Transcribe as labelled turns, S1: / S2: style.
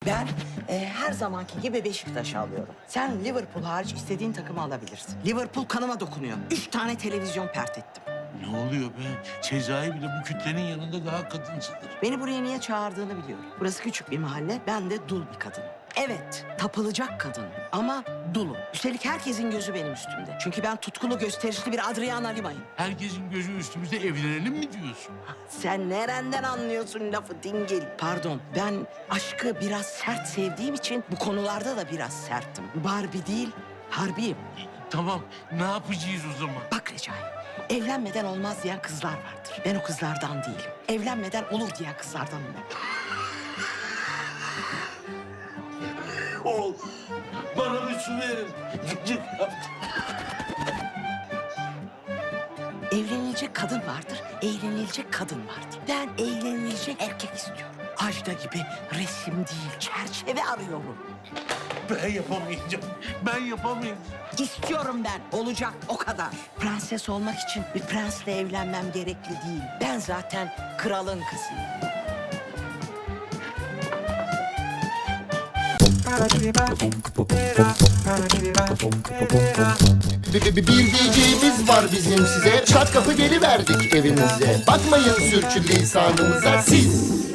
S1: Ben her zamanki gibi Beşiktaş'ı alıyorum. Sen Liverpool hariç istediğin takımı alabilirsin. Liverpool kanıma dokunuyor. 3 tane televizyon pert ettim.
S2: Ne oluyor be? Sezai bile bu kütlenin yanında daha kadınsıdır.
S1: Beni buraya niye çağırdığını biliyorum. Burası küçük bir mahalle, ben de dul bir kadınım. Evet, tapılacak kadın ama dulum. Üstelik herkesin gözü benim üstümde. Çünkü ben tutkulu, gösterişli bir Adriana Lima'yım.
S2: Herkesin gözü üstümüzde, evlenelim mi diyorsun?
S1: Sen nereden anlıyorsun lafı dingil? Pardon, ben aşkı biraz sert sevdiğim için bu konularda da biraz serttim. Barbie değil, harbiyim.
S2: Tamam, ne yapacağız o zaman?
S1: Bak Recai, evlenmeden olmaz diyen kızlar vardır. Ben o kızlardan değilim. Evlenmeden olur diyen kızlardanım ben.
S2: Ol. Bana bir su verin. Gıcık yaptım.
S1: Evlenilecek kadın vardır, eğlenilecek kadın vardır. Ben eğlenilecek erkek istiyorum. Ajda gibi resim değil, çerçeve arıyorum.
S2: Ben yapamayacağım. Ben yapamayacağım.
S1: İstiyorum ben, olacak o kadar. Prenses olmak için bir prensle evlenmem gerekli değil. Ben zaten kralın kızıyım.
S3: Bir diyeceğimiz var bizim size. Çat kapı geliverdik evinize. Bakmayın sürçülisanımıza siz.